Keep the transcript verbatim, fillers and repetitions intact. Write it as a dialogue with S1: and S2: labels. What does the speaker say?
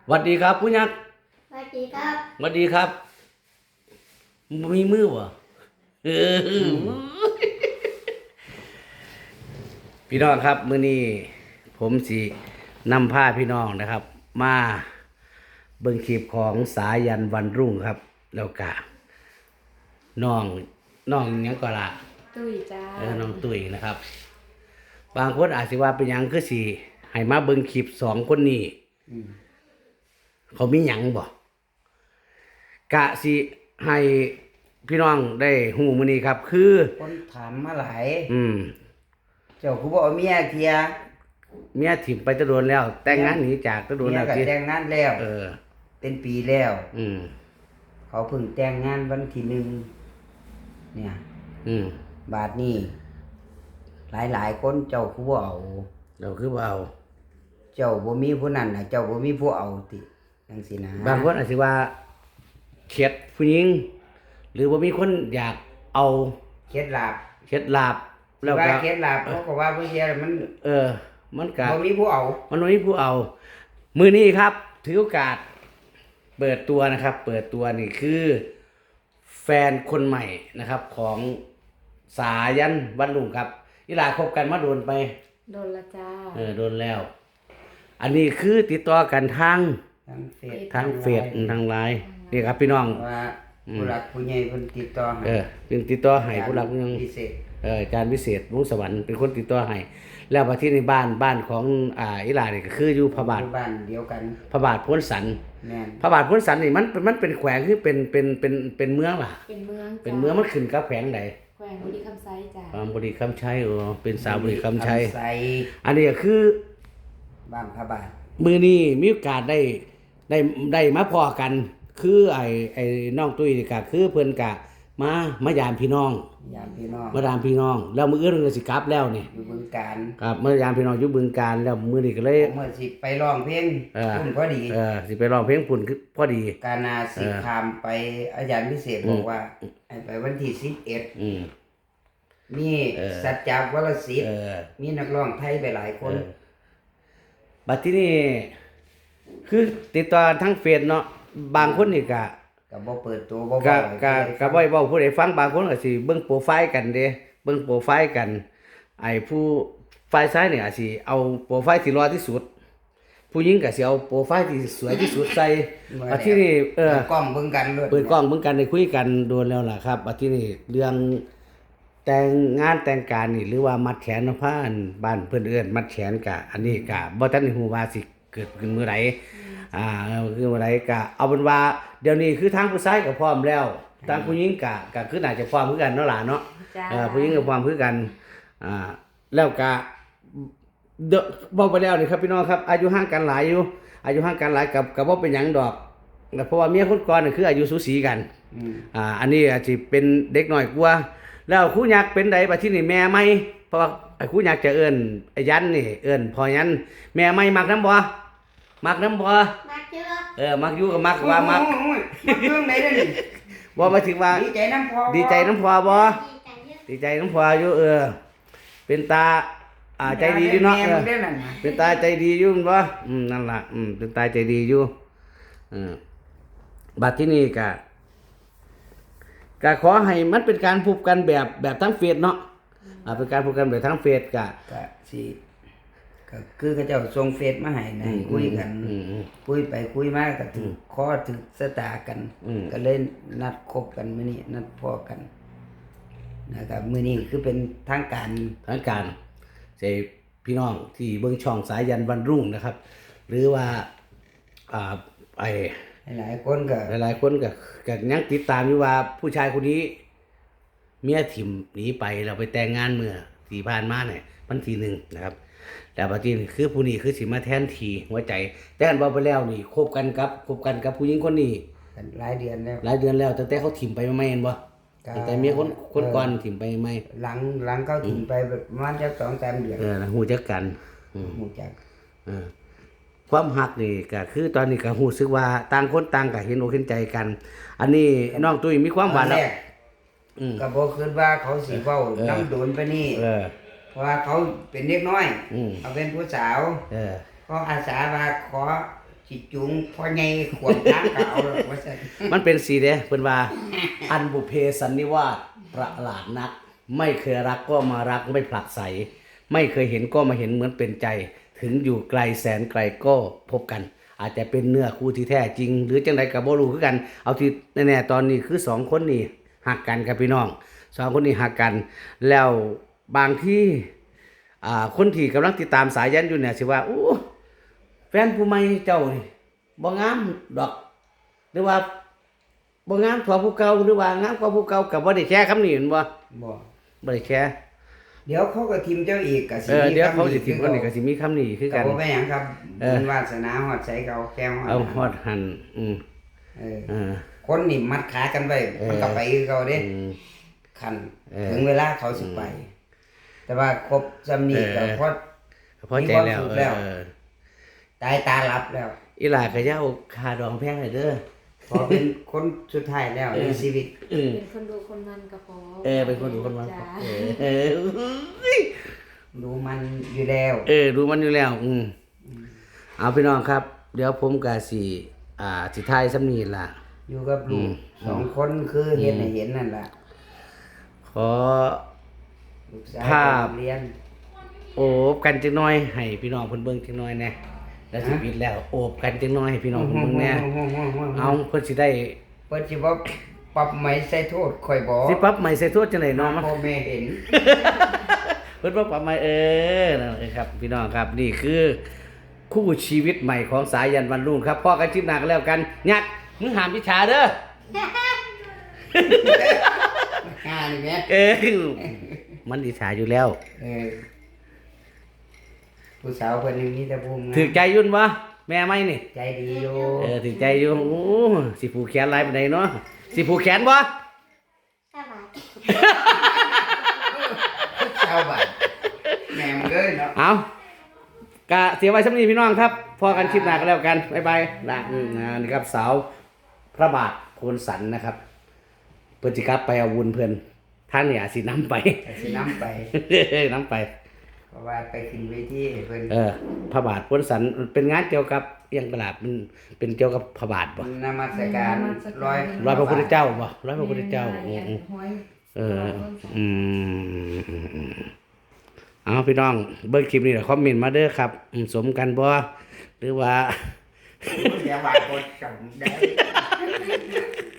S1: สวัสดีครับผู้ยักษ์
S2: สวัสดีครับ
S1: สวัสดีครับมีมือวะเออพี่น้องครับมื้อนี้ผมสินำผ้าพี่น้องนะครับ มาเบิ่งคลิปของสายันวันรุ่งครับ แล้วก็น้องน้องหยังก็ละ
S2: ตุ้ยจ้า
S1: เออน้องตุ้ยนะครับ บางคนอาจสิว่าเป็นหยังคือสิให้มาเบิ่งคลิปสองคนนี้เขามีหยังบ่กะสิให้พี่น้องได้ฮู้มื้อนี้ครับ คือ
S3: คนถามมาหลาย
S1: อืม
S3: เจ้าคือบ่เอาเมียเทีย
S1: เมียถิ่มไปจะโดนแล้ว แต่งงานหนีจากจะโดน
S3: เมีย
S1: แล้ว
S3: ก็
S1: ที่
S3: แต่งงานแล้ว
S1: เออ
S3: เป็นปีแล้ว
S1: อืม
S3: เขาเพิ่งแต่งงานวันที่หนึ่งเนี่ย
S1: อืม
S3: บาทนี้หลายหลายๆคนเจ้าคือบ่เอา
S1: เราคือบ่เอา
S3: เจ้าบ่มีผู้นั้นน่ะเจ้าบ่มีผู้เอาติจังซี่นะ
S1: บางคนอาจสิว่าเข็ดผู้หญิง หรือว่ามีคนอยากเอา
S3: เคล็ดลับ
S1: เข็ดลาบแล้ว
S3: ว่า
S1: ก็
S3: เคล็ดลับเขาก็ว่าผู้เชียมัน
S1: เออ มันก็
S3: บ่มีผู้เอา
S1: มันบ่มีผู้เอา มื้อนี้ครับ ถือโอกาส เปิดตัวนะครับ เปิดตัวนี่คือ แฟนคนใหม่นะครับ ของสายันวันรุ่งครับอีหลาคบกันมาโดนไป
S2: โดนละจ้า
S1: เออโดนแล้ว อันนี้คือติดต่อกันทาง
S3: ทั้งเฟซ
S1: ทางเฟซทางไลน์นี่ครับพี่น้อง
S3: ว่าผู้รักผู้ใหญ่เพิ่นติดต่อให้
S1: เออเป็นติดต่อให้ผู้รักยัง
S3: พิเศษ
S1: เออการพิเศษวงสวรรค์เป็นคนติดต่อให้แล้วมาที่ในบ้านบ้านของอ่าอิหร่านนี่ก็คืออยู่พระบาท
S3: อยู่บ้านเดียวกัน
S1: พระบาทพ้นสัน
S3: แม่น
S1: พระบาทพ้นสันนี่มันมันเป็นแขวงคือเป็นเป็นเป็นเป็นเมืองล่ะ
S2: เป็นเมืองจ้า
S1: เป็นเมืองมันขึ้นกับแขวงใด
S2: แขวงบุรีคำไซจ้า
S1: บางบุรีคำชัยโอ้เป็นสาวบุรีคำชัย
S3: ใส่
S1: อันนี้ก็คือ
S3: บ้านพระบาท
S1: มือนี้มีโอกาสได้ได้ได้มาพอกัน คือไอ้ไอ้น้องตุ้ยนี่ก็คือเพิ่นกะมามายามพี่น้อง
S3: ยามพี่น้อง
S1: มายามพี่น้อง แล้วมื้ออื่นเพิ่นก็สิกลับแล้วนี่
S3: อยู่บึงการ
S1: ครับมายามพี่น้องอยู่บึงการแล้วมื้อนี้ก็เลย
S3: เมื่อสิไปร้องเพลง
S1: เออ
S3: พุ่นพอดี
S1: เออสิไปร้องเพลงปุ่นคือพอดี
S3: การนาสิ
S1: เออ
S3: คามไปอาจารย์พิเศษบอกว่าให้ไปวันที่สิบเอ็ด
S1: อืม
S3: มี
S1: เออ
S3: สัจจาวรศิษ
S1: เอ
S3: ฐ์
S1: อ
S3: มีนักร้องไทยไปหลายคน
S1: เออบัดที่นี่คือติดต่อทั้งเฟซเนาะบางคนนี่ก็
S3: ก็บ่เปิดตัวบ่
S1: ก็
S3: บอก
S1: ก็ก็บ่ให้เว้าผู้ใดฟังบางคนก็สิเบิ่งโปรไฟล์กันเด้เบิ่งโปรไฟล์กัน ไอ้ผู้ฝ่ายซ้ายนี่อาจสิเอาโปรไฟล์ที่รอที่สุด ผู้หญิงก็สิเอาโปรไฟล์ที่สวยที่สุดใส่บัดที่นี่เออ
S3: เปิดกล้องเบิ่งกันด้วย
S1: เปิดกล้องเบิ่งกันได้คุยกันโดนแล้วล่ะครับบัดที่นี่เรื่องแต่งงานแต่งการนี่หรือว่ามัดแขนพานบ้านเพิ่นเอิ้นมัดแขนกะอันนี้กะบ่ทันได้ฮู้ว่าสิเกิดขึ้นเมื่อใดอ่าคือเมื่อใดกะเอาเป็นว่าเดี๋ยวนี้คือทางผู้ชายก็พร้อมแล้วทางผู้หญิงกะก็คือน่าจะพร้อมคือกันเนาะล่ะเนาะ
S2: จ้า
S1: เออผู้หญิงก็ความคือกัน อ่า แล้วก็เดอะบอกไปแล้วนี่ครับพี่น้องครับ อายุห่างกันหลายอยู่ อายุห่างกันหลายกับกับว่าเป็นหยังดอกเพราะว่าเมียคนก่อนนี่คืออายุสูสีกัน
S3: อืม
S1: อ่า อันนี้อาจจะเป็นเด็กน้อยกว่า แล้วครูยักษ์เป็นใดบัดที่นี่แม่ไหมเพราะว่าไอ้ครูยักษ์จะเอิ้นไอ้ยันนี่เอิ้นพอยัน แม่ไหมมักน้ำบ่มักน้ำบ่
S2: มาเจอ
S1: เออ มักอยู่ก็มักว่ามัก
S3: โอ้ยมักเรื่องไหนเด้อนี่
S1: บ่หมายถึงว่า
S3: ดีใจน้ำพอ
S1: ดีใจน้ำพอบ่
S2: ดีใจเยอะ
S1: ดีใจน้ำพออยู่เออ เป็นตา อ่าใจดีอยู่เนาะ
S3: แม่
S1: เออ
S3: มึงได้นั่นน่ะ
S1: เป็นตาใจดีอยู่แม่นบ่อืมนั่นล่ะอืมเป็นตาใจดีอยู่เออบัดที่นี่ก็ก็ขอให้มันเป็นการพูดกันแบบแบบทั้งเฟซเนาะอ่าเป็นการพูดกันแบบทั้งเฟซก็
S3: ก็สิก็คือเขาเจ้าส่งเฟซมาให้นะให้คุยกัน
S1: อืมอืม
S3: คุยไปคุยมาก็ถึงข้อถึงสตากัน
S1: อืม
S3: ก็เลยนัดคบกันมื้อนี้นัดพอกันนะครับมื้อนี้คือเป็นทางการ
S1: ทางการใส่พี่น้องที่เบิ่งช่องสายยันวันรุ่งนะครับ หรือว่าอ่าไอ
S3: หลายๆคนก็
S1: หลายๆคนก็ก็ยังติดตามอยู่ว่าผู้ชายคนนี้ เมียถิ่มหนีไปเราไปแต่งงานเมื่อที่ผ่านมาเนี่ยวันที่หนึ่งนะครับ แต่ปัจจุบันคือผู้นี้คือสิมาแทนทีหัวใจ แต่กันบอกไปแล้วนี่คบกันกับคบกันกับผู้หญิงคนนี้
S3: กันหลายเดือนแล้ว
S1: หลายเดือนแล้วตั้งแต่เขาถิ่มไปไม่เห็นบ่
S3: ก็
S1: ตั้งแต่เมียคนคนก่อนถิ่มไปไม่
S3: หลังหลังเขาถึงไปประมาณจักสองสามเดือน
S1: เออหูจักกันอืม
S3: หมู่จัก
S1: เออความหักนี่ก็คือตอนนี้ก็รู้สึกว่าต่างคนต่างก็เห็นอกเห็นใจกัน อันนี้น้องตุ้ยมีความหวาน
S3: ตอน
S1: แล้ว
S3: แรก
S1: อืม
S3: ก็บ่คิดว่าเขาสิเว้า
S1: เออ
S3: น้ำโดนไปนี่
S1: เออ
S3: เพราะว่าเขาเป็นเด็กน้อย
S1: อืม
S3: เขาเป็นผู้สาว
S1: เออ
S3: ก็อาสาว่าขอสิจุงพ่อใหญ่ขวมทางก็เอาหรอกว่าซั่น
S1: มันเป็นสีเด้เพิ่นว่า อันบุพเพสันนิวาสประหลาดนัก ไม่เคยรักก็มารักไม่ผลักไสไม่เคยเห็นก็มาเห็นเหมือนเป็นใจ ถึงอยู่ไกลแสนไกลก็พบกัน อาจจะเป็นเนื้อคู่ที่แท้จริง หรือจังไดก็บ่รู้คือกัน เอาที่แน่ๆตอนนี้คือสองคนนี้หักกันครับพี่น้องสองคนนี้หักกัน แล้วบางที่อ่าคนที่กำลังติดตามสายยันอยู่เนี่ยสิว่าอู้แฟนผู้ใหม่เจ้านี่บ่งามดอก หรือว่าบ่งามกว่าผู้เก่าหรือว่างามกว่าผู้เก่าก็บ่ได้แชร์คำนี้แม่นบ่
S3: บ่
S1: บ่ได้แชร์
S3: เดี๋ยวเขาก็ทิมเจ้าอีกก็สิ
S1: เออเดี๋ยวเขาสิ
S3: คำ
S1: ถิมคนนี้ก็สิมีคำนี้คือ
S3: กั
S1: กัน น
S3: บ่แม่นหยังครับ
S1: เออ
S3: บุญวาสนาฮอดใส่เก่าแก้วฮอด
S1: เอาฮอดหันอืม
S3: เออ
S1: เออ
S3: คนนี่มัดขากันไว้
S1: เออ
S3: มันก็ไปคือเก่าเด้
S1: อืม
S3: คัน
S1: เออ
S3: ถึงเวลาเขาสิไป แต่ว่าครบจำนี้ก็
S1: เออ
S3: พอ
S1: พอใจแล้ว
S3: มีความสุขแล้ว
S1: เออ
S3: ตายตาหลับแล้ว
S1: อีหลาก็อย่าเอาค่าดองแพงให้เด้อ
S3: พอเป็นคนสุดท้ายแล้ว
S1: เออ
S3: ในชีวิต
S1: เออ
S2: เป็นคนดูคนมันก็พอ
S1: เออเป็นคนดูคนมัน
S2: จ้า
S1: เออเออเอ้ย
S3: ดูมันอยู่แล้ว
S1: เออดูมันอยู่แล้ว อืมเอาพี่น้องครับ เดี๋ยวผมก็สิอ่าสิทายสำนีล่ะ
S3: อยู่กับลู
S1: อื
S3: ก
S1: ม
S3: สองคนคือเห็นให้เห็นนั่นล่ะ
S1: ขอ
S3: ลูกสาว
S1: ภาพ
S3: เรียน
S1: โอบกันจังน้อยให้พี่น้องเพิ่นเบิ่งจังน้อยแหน่แล้วสิปิดแล้ว โอบกันจังน้อยให้พี่น้องเพิ่นเบิ่งแหน่เอาเพิ่นสิได้
S3: เปิดสิบ่ปรับไหมใส่โทษข่อยบ่
S1: สิปรับใหม่ใส่โทษจังได๋เนาะมัน
S3: พ่อแม่เห็น
S1: เพิ่นว่าปรับใหม่เออนั่นเลยครับ พี่น้องครับ นี่คือ คู่ชีวิตใหม่ของสายันวันรุ่งครับพ่อกันชิปหนักแล้วกันยักมึงห้ามอิจฉาเด้อ
S3: งานนี่แม่
S1: เออมันอิจฉาอยู่แล้ว
S3: เออผู้สาวเพิ่นนี่มีแต่ภูมิงาม
S1: ถือใจยุ่นบ่แม่ไม่นี่
S3: ใจดีอยู่
S1: เออถือใจอยู่โอ้สิผูกแขนหลายปานใดเนาะสิผูกแขนบ่
S2: ห้าบาท
S3: ชาวบ้านแม่มึงเอ้ยเนาะ
S1: เอากะเสียไว้สำนี้พี่น้องครับพอกันคลิปหน้ากันแล้วกันบ๊ายบายนะอืมอ่านี่ครับสาวพระบาทโพนสันนะครับเพิ่นสิกลับไปเอาวุญเพิ่นท่านเนี่ยสินำไป
S3: แต่สินำไป
S1: นำไป
S3: เพราะว่าไปขึ้นเวทีให้เพิ่น
S1: เออพระบาทโพนสันมันเป็นงานเกี่ยวกับเอียงตลาดมันเป็นเกี่ยวกับพระบาทบ่
S3: นมัสการร้อย
S1: ร้อยพระพุทธเจ้าบ่ร้อยพระพุทธเจ้าอืม
S2: หวย
S1: เอออืมเอาพี่น้องเบิ่งคลิปนี้คอมเมนต์มาเด้อครับอืมสมกันบ่หรือว่า
S3: อย่าว่าคนจำได้